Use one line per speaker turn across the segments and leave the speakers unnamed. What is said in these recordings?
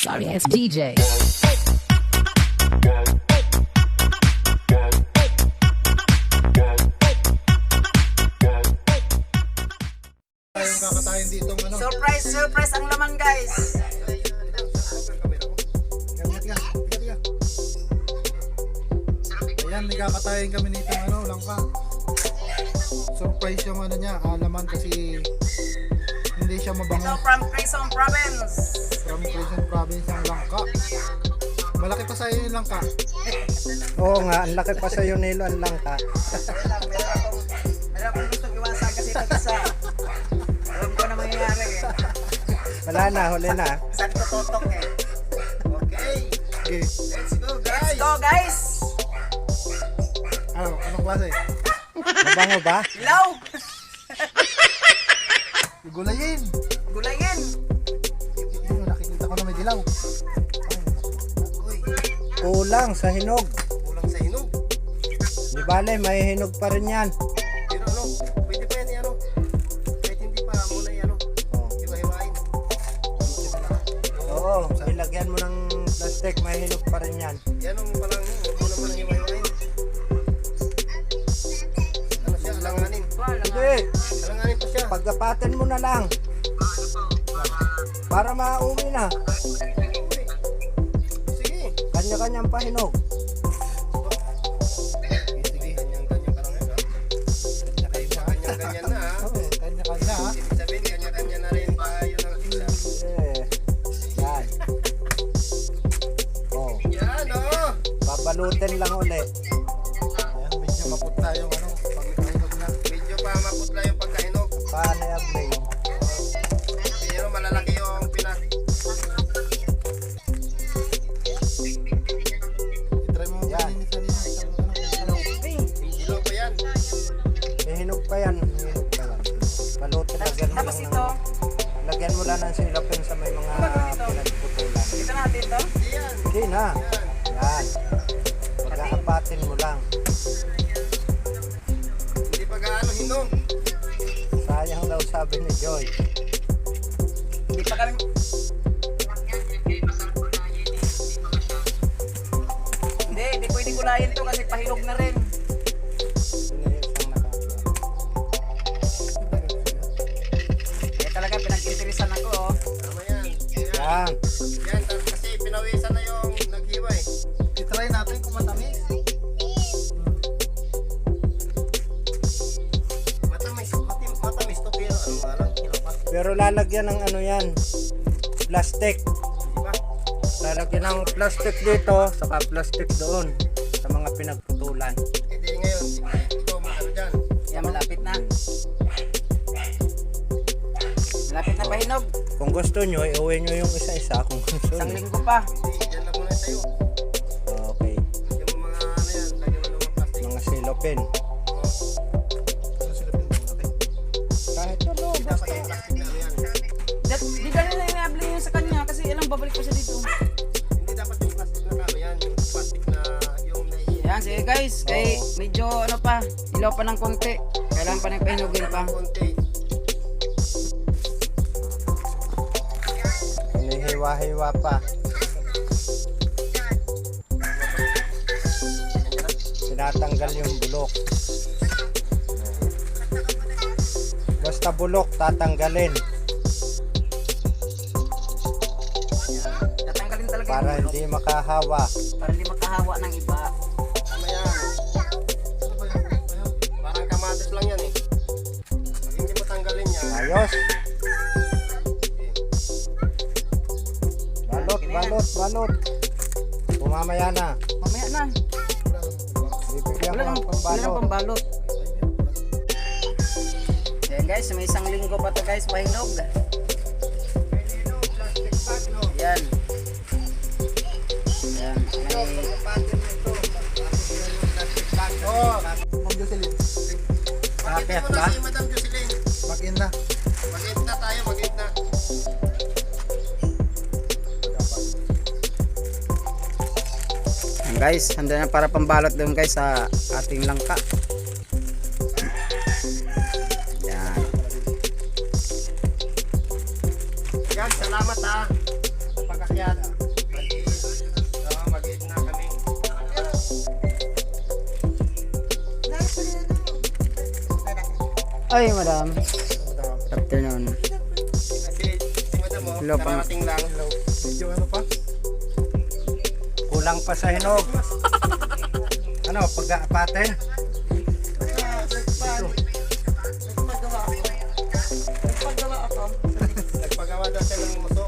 sorry ass DJ.
Tayong kakatayin dito ano.
Surprise ang laman, guys.
Ayan, may kakatayin kami nito ano, langka. Surprise yung ano niya, laman kasi hindi siya
Ito
mabango.
from Quezon Province.
From Quezon Province ang langka. Malaki pa sa iyo yung langka.
Oo nga, ang laki pa sa iyo nilo ang langka.
Meron akong gustong iwasan kasi ito isa. Alam ko na mangyayari eh.
Wala na, huli na.
Saan ko totok eh. Okay.
Okay.
Let's go, guys.
Anong klase?
Mabango ba?
Ilaw.
Gulayin.
Gulayin.
Yun, nakikita ko na may dilaw.
Kulang sa hinog.
Kulang sa hinog.
Di bale, may hinog pa rin yan.
Pero ano, pwede pa yan ano. Kahit hindi pa muna yan ano. Hiwa-hiwain.
Oo, ilagyan mo ng plastic, may hinog pa rin yan.
Yan ang palang, muna mo nang hiwa-hiwain. Ano siya, alanganin.
Hindi,
Alanganin pa siya.
pagkapatin mo na lang. Para mauwi na.
Sige.
Kanya-kanyang pahinog.
Sige, kanyang-kanyang ka lang yan ha. Kanya-ganyan na ha.
Oo, kanya-kanya ha.
Ibig sabihin, kanya-kanya na rin tayo ng isa.
Yan. Oh,
Yan o.
babalutin lang uli.
Ayan, medyo maputla yung ano, pagkahinog na. Medyo pa maputla yung pagkahinog.
Paano i-apply?
Pero malalaki yung pinak. I-try mo
Yan.
Hilo ko yan.
May hinog pa yan. May hinog pa yan. Balutin, lagyan mo
Tapos
lang
ito.
lagyan mo lang ng silapin sa may mga pinagputulan.
Ito natin to.
Yan.
Hindi na.
Yan.
Yan. Pagkaapatin mo lang.
Hindi pa gaano hinog.
Sayang daw sabi ni Joy.
Hindi pa kami... Hindi pwede gulayin to kasi pahinog na rin.
Isang nakakaya.
Kaya talaga pinag-interesan ako oh.
Tama yan. Yan.
Yan.
Yan. Kasi pinawisan na yung naghiwa eh. I-try natin kung matamis. Matamis to pero ano nga lang. Kilapas.
Pero lalagyan ng ano yan. Plastic.
Diba?
Lalagyan ng plastic dito, saka plastic doon sa mga pinagputulan.
E di ngayon, ikaw maano dyan.
Yan malapit na. Malapit na pahinog.
Kung gusto nyo, iuwi nyo yung isa-isa kung gusto
Isang
nyo.
linggo pa.
Hindi, dyan lang muna tayo.
Okay.
Yung mga ano yan, lagyan mo ng mga plastic.
Mga silopin.
Ano sila pinag-plastic?
Kahit ano,
Dapat
basta.
yung plastic na ano yan.
Di ganun na inabli yun sa kanya kasi ilang babalik pa siya dito.
Hindi dapat yung plastic na ano yan. Yung plastic na yung naiiyak.
Yan, sige guys. Kay medyo ano pa, ilaw pa ng konti. Kailangan pa ng pahinugin pa.
Konti.
Hinihiwa-hiwa pa. Tinatanggal yung bulok. Basta bulok, tatanggalin.
Tatanggalin talaga
Para
yung bulok.
hindi makahawa.
Para hindi makahawa ng iba.
Tama yan. Ano ba yun? Parang kamatis lang yan eh. Pag hindi mo tanggalin yan.
Ayos. Balot, balot, balot. Pumamaya na.
Mamaya na.
Bibigyan
Wala
ko ng
nang
pambalot.
pambalot. Yan guys, may isang linggo pa to guys, pahinog.
Plastic bag no?
Yan. Yan. May...
Oo. Ma'am Jocelyn.
Bakit
Pakita mo
ba?
na si Madam Jocelyn.
Mag-in na.
Mag-end na tayo, mag-end na.
Yan guys, handa na para pambalot doon guys sa ating langka. Yan.
Yan, salamat ha. Sa pag-akyat.
Ay, madam.
Madam.
Afternoon.
Kasi si madam mo,
Hello, pang-
kararating lang.
Medyo ano pa? Kulang pa sa hinog. Ano, pag-aapatin?
Nagpagawa daw siya ng muso.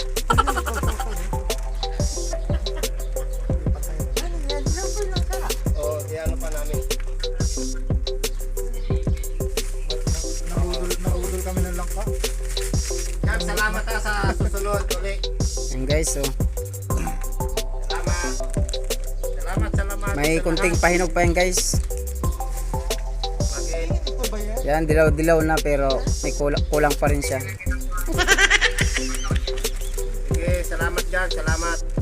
Oo, ano pa namin.
Nahudol kami ng langka.
Yan, salamat ha sa susunod uli.
Yan guys, oh.
Salamat. Salamat.
May
sa
kunting
lahat.
pahinog pa yan guys.
Again.
Yan, dilaw-dilaw na pero may kulang pa rin siya.
Sige, salamat dyan. Salamat.